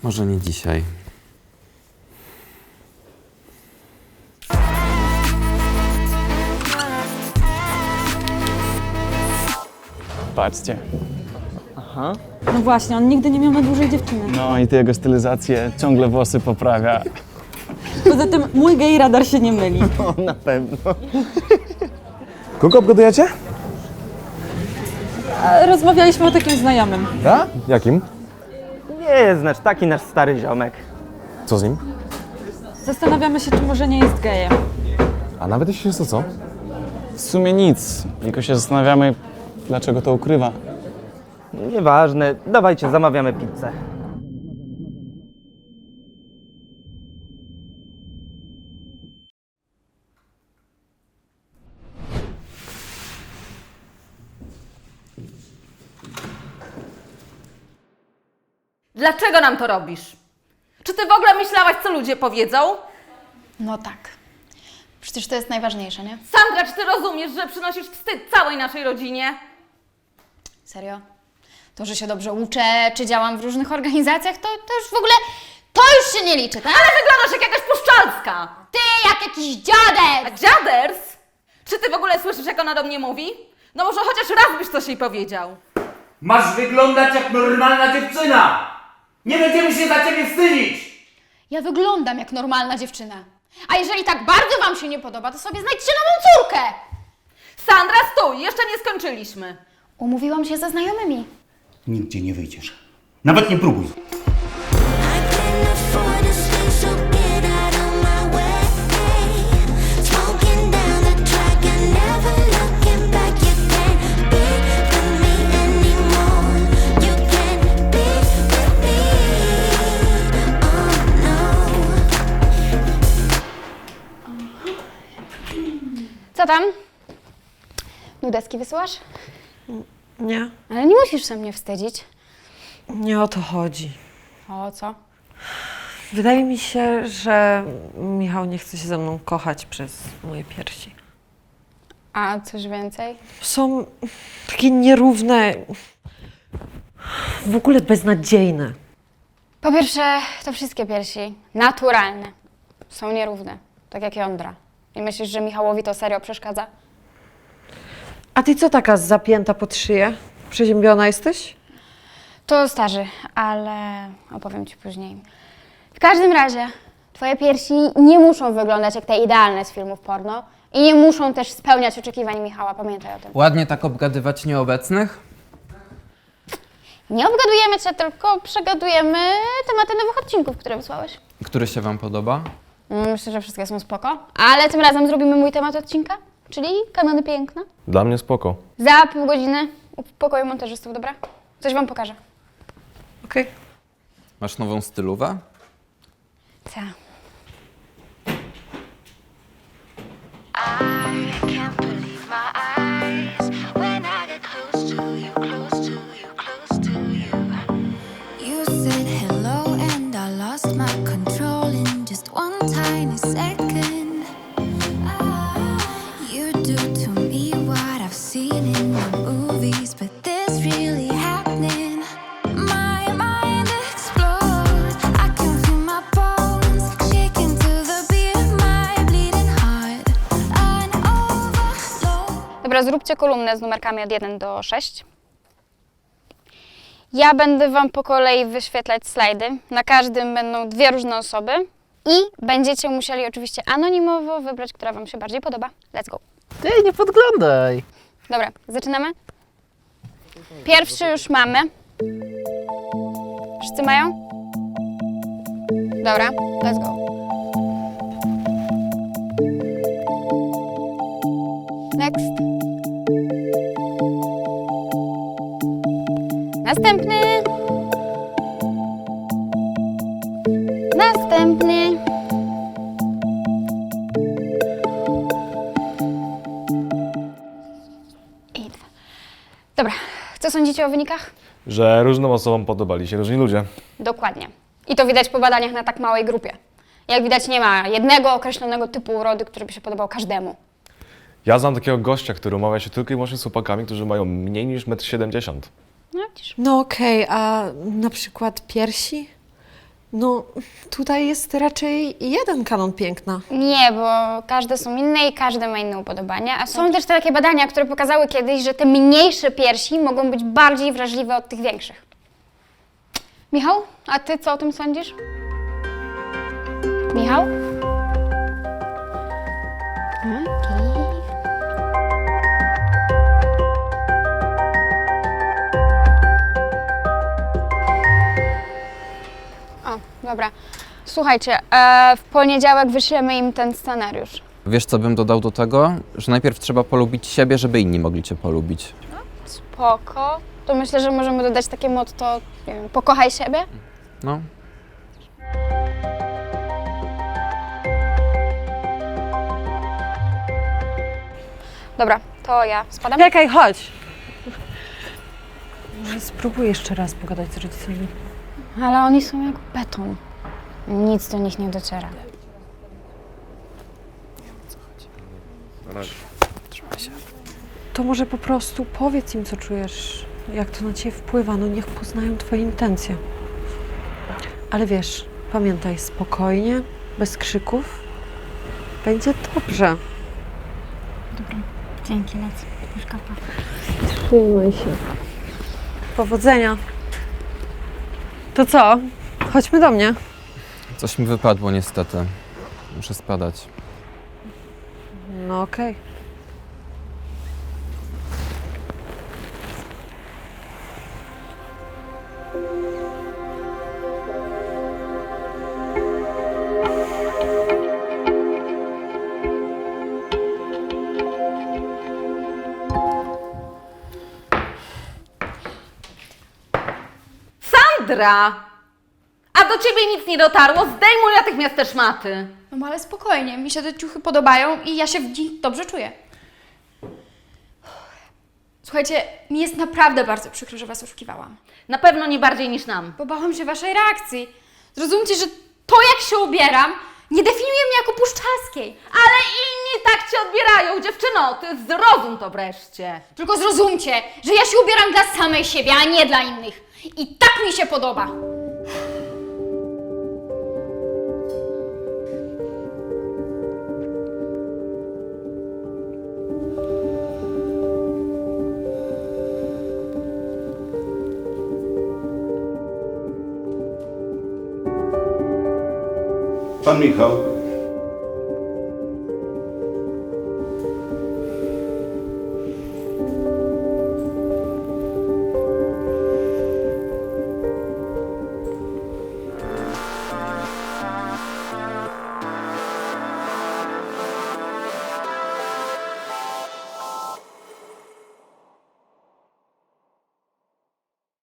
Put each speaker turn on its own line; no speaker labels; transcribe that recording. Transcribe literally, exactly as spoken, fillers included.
Może nie dzisiaj.
Patrzcie.
No właśnie, on nigdy nie miał na dłużej dziewczyny.
No i ty jego stylizację ciągle włosy poprawia.
Poza tym mój gej radar się nie myli.
No, na pewno.
Kogo obgadujecie?
A rozmawialiśmy o takim znajomym.
Ja? Jakim?
Nie, znaczy taki nasz stary ziomek.
Co z nim?
Zastanawiamy się, czy może nie jest gejem.
A nawet jeśli jest to co?
W sumie nic, tylko się zastanawiamy, dlaczego to ukrywa.
Nieważne, dawajcie, zamawiamy pizzę.
Dlaczego nam to robisz? Czy ty w ogóle myślałaś, co ludzie powiedzą?
No tak. Przecież to jest najważniejsze, nie?
Sandra, czy ty rozumiesz, że przynosisz wstyd całej naszej rodzinie?
Serio? To, że się dobrze uczę, czy działam w różnych organizacjach, to, to już w ogóle, to już się nie liczy, tak?
Ale wyglądasz jak jakaś puszczalska!
Ty jak jakiś dziadek!
A dziaders? Czy ty w ogóle słyszysz, jak ona do mnie mówi? No może chociaż raz byś coś jej powiedział.
Masz wyglądać jak normalna dziewczyna! Nie będziemy się za ciebie wstydzić!
Ja wyglądam jak normalna dziewczyna. A jeżeli tak bardzo wam się nie podoba, to sobie znajdźcie nową córkę!
Sandra, stój! Jeszcze nie skończyliśmy.
Umówiłam się ze znajomymi.
Nigdzie nie wyjdziesz. Nawet nie próbuj.
Co tam? Nudeski wysyłasz?
Nie,
Ale nie musisz się mnie wstydzić.
nie o to chodzi.
O co?
Wydaje mi się, że Michał nie chce się ze mną kochać przez moje piersi.
A coś więcej?
Są takie nierówne, w ogóle beznadziejne.
Po pierwsze, to wszystkie piersi, naturalne, są nierówne, tak jak jądra. I myślisz, że Michałowi to serio przeszkadza?
A ty co taka zapięta pod szyję? Przeziębiona jesteś?
To starzy, ale opowiem ci później. W każdym razie, twoje piersi nie muszą wyglądać jak te idealne z filmów porno i nie muszą też spełniać oczekiwań Michała, pamiętaj o tym.
Ładnie tak obgadywać nieobecnych?
Nie obgadujemy cię, tylko przegadujemy tematy nowych odcinków, które wysłałeś.
Który się wam podoba?
Myślę, że wszystkie są spoko, ale tym razem zrobimy mój temat odcinka, czyli kanony piękna.
Dla mnie spoko.
Za pół godziny w pokoju montażystów, dobra? Coś wam pokażę.
Okej.
Masz nową stylówę?
Co?
You said hello and I lost my control in just one tiny second. You do to me what I've seen in the movies, but this really happening. My mind explodes. I can feel my bones shaking to the beat, my bleeding heart. An overload.
Dobra, zróbcie kolumnę z numerkami od jeden do sześciu. Ja będę wam po kolei wyświetlać slajdy. Na każdym będą dwie różne osoby. I będziecie musieli oczywiście anonimowo wybrać, która wam się bardziej podoba. Let's go.
Ty, nie podglądaj.
Dobra, zaczynamy? Pierwszy już mamy. Wszyscy mają? Dobra, let's go. Next. Następny. Następny. I dwa. Dobra, co sądzicie o wynikach?
Że różnym osobom podobali się różni ludzie.
Dokładnie. I to widać po badaniach na tak małej grupie. Jak widać, nie ma jednego określonego typu urody, który by się podobał każdemu.
Ja znam takiego gościa, który umawia się tylko i wyłącznie z chłopakami, którzy mają mniej niż metr siedemdziesiąt.
No widzisz.
No okej, a na przykład piersi? No, tutaj jest raczej jeden kanon piękna.
Nie, bo każde są inne i każdy ma inne upodobania. A są też takie badania, które pokazały kiedyś, że te mniejsze piersi mogą być bardziej wrażliwe od tych większych. Michał, a ty co o tym sądzisz? Michał? Okej. O, dobra. Słuchajcie, e, w poniedziałek wyślemy im ten scenariusz.
Wiesz, co bym dodał do tego? Że najpierw trzeba polubić siebie, żeby inni mogli cię polubić.
Spoko. To myślę, że możemy dodać takie motto, nie wiem, pokochaj siebie.
No.
Dobra, to ja spadam.
Czekaj, chodź! Może spróbuj jeszcze raz pogadać z rodzicami.
Ale oni są jak beton. Nic do nich nie dociera.
To może po prostu powiedz im, co czujesz, jak to na ciebie wpływa, no niech poznają twoje intencje. Ale wiesz, pamiętaj, spokojnie, bez krzyków. Będzie dobrze.
Dzięki, lecę. Już kapa.
Trzymaj się. Powodzenia. To co? Chodźmy do mnie.
Coś mi wypadło niestety. Muszę spadać.
No okej.
Sandra! A do ciebie nic nie dotarło? Zdejmuj natychmiast te szmaty.
No ale spokojnie, mi się te ciuchy podobają i ja się w nich dobrze czuję. Słuchajcie, mi jest naprawdę bardzo przykro, że was oszukiwałam.
Na pewno nie bardziej niż nam.
Bo bałam się waszej reakcji. Zrozumcie, że to, jak się ubieram, nie definiuje mnie jako puszczalskiej.
Ale inni tak cię odbierają, dziewczyno! Ty zrozum to wreszcie.
Tylko zrozumcie, że ja się ubieram dla samej siebie, a nie dla innych. I tak mi się podoba.
Pan Michał.